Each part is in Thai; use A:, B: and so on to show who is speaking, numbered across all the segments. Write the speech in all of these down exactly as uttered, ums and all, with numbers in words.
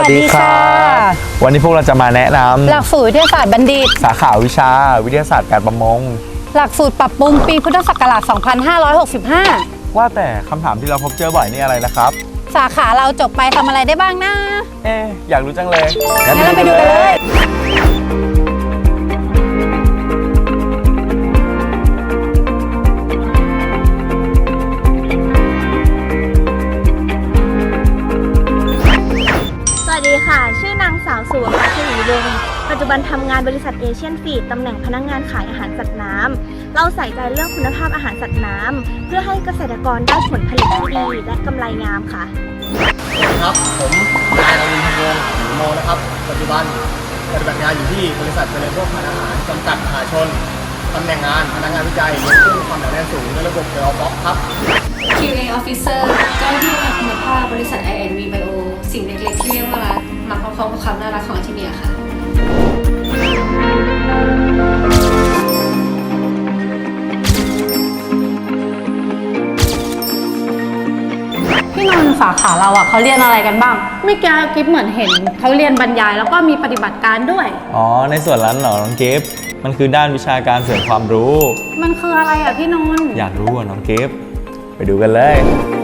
A: ดีค่ะวันนี้พวกเราจะมาแนะนำ
B: หลักสูตรวิทยาศาสตร์บัณฑิต
A: สาขาวิชาวิทยาศาสตร์การประมง
B: หลักสูตรปรับปรุงปีพุทธศักราช สองพันห้าร้อยหกสิบห้า
A: ว่าแต่คำถามที่เราพบเจอบ่อยนี่อะไรนะครับ
B: สาขาเราจบไปทำอะไรได้บ้างนะ
A: เอ๊ะอยากรู้จังเลย
B: งั้นเราไปดูกันเลย
C: สวัสดีค่ะ ชื่อนางสาวสุวรรณชลีวงศ์ปัจจุบันทำงานบริษัทเอเชียนฟีดตำแหน่งพนักงานขายอาหารสัตว์น้ำเราใส่ใจเรื่องคุณภาพอาหารสัตว์น้ำเพื่อให้เกษตรกรได้ผลผลิตที่ดีและกำไรงามค่ะ
D: สวัสดีครับผมนายนวินทวงศ์หรือโมนะครับปัจจุบันปฏิบัติงานอยู่ที่บริษัทเจริญโภคภัณฑ์อาหารจำกัดมหาชนตำแหน่งงานพนักงานวิจัยเรื่องความหนาแน่นสูงในระบบเดลบ็อกครับ
E: คิว เอ Officer เจ้าหน้าที่คุณภาพบริษัท ไอ แอนด์ วี Bio สิ่งเล็กๆที่เรียกว่ารักมาพร้อมๆกับความน่ารักของอาทิเนียค่ะ
B: พี่นนท์สาขาเราอ่ะเขาเรียนอะไรกันบ้างไม่แก้กิฟเหมือนเห็นเขาเรียนบรรยายแล้วก็มีปฏิบัติการด้วย
A: อ๋อในส่วนนั้นเหรอน้องกิฟต์มันคือด้านวิชาการเสริมความรู้
B: มันคืออะไรอ่ะพี่นนท์
A: อยากรู้อ่ะน้องกิฟต์ไปดูกันเลย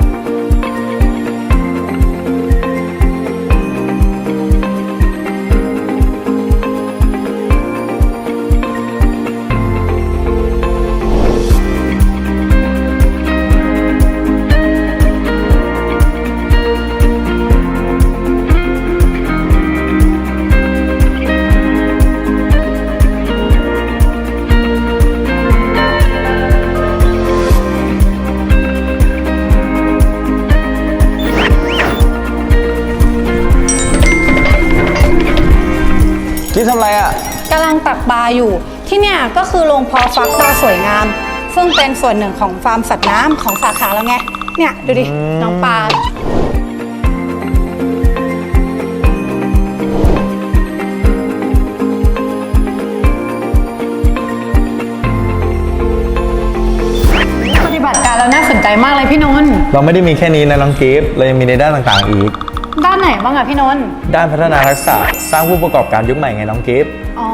A: ที่ทำอะไรอ่ะ
B: กำลังตักปลาอยู่ที่เนี่ยก็คือโรงเพาะฟักปลาสวยงามซึ่งเป็นส่วนหนึ่งของฟาร์มสัตว์น้ำของสาขาเราไงเนี่ยดูดิน้องปลาปฏิบัติการแล้วน่าสนใจมากเลยพี่นนท์
A: เราไม่ได้มีแค่นี้นะน้องกิฟต์เรายังมีในด้านต่างๆอีก
B: ด้านไหนบ้างอะพี่นนท์
A: ด้านพัฒนาทักษะสร้างผู้ประกอบการยุคใหม่ไงน้องกิฟต์
B: อ๋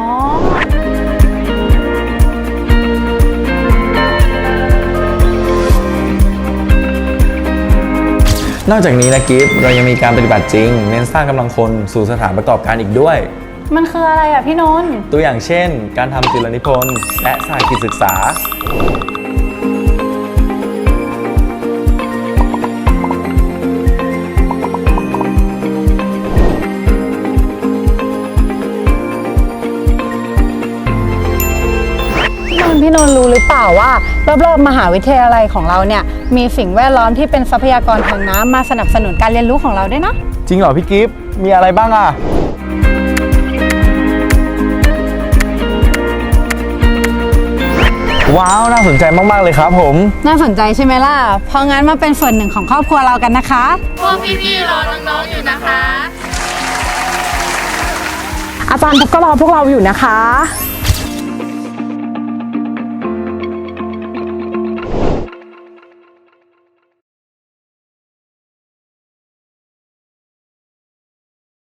A: อนอกจากนี้นะกิฟต์เรายังมีการปฏิบัติจริงเน้นสร้างกำลังคนสู่สถานประกอบการอีกด้วย
B: มันคืออะไรอะพี่นนท์
A: ตัวอย่างเช่นการทำจุลนิพนธ์และสายกิจศึกษา
B: พี่นนท์รู้หรือเปล่าว่ารอบๆมหาวิทยาลัยของเราเนี่ยมีสิ่งแวดล้อมที่เป็นทรัพยากรทางน้ำมาสนับสนุนการเรียนรู้ของเราด้วยนะ
A: จริงเหรอพี่กิฟต์มีอะไรบ้างอ่ะว้าวน่าสนใจมากๆเลยครับผม
B: น่าสนใจใช่ไหมล่ะเพราะงั้นมาเป็นส่วนหนึ่งของครอบครัวเรากันนะคะ
E: พวกพี่ๆรอน้องๆอยู่นะคะ
F: อาจารย์ก็รอพวกเราอยู่นะคะ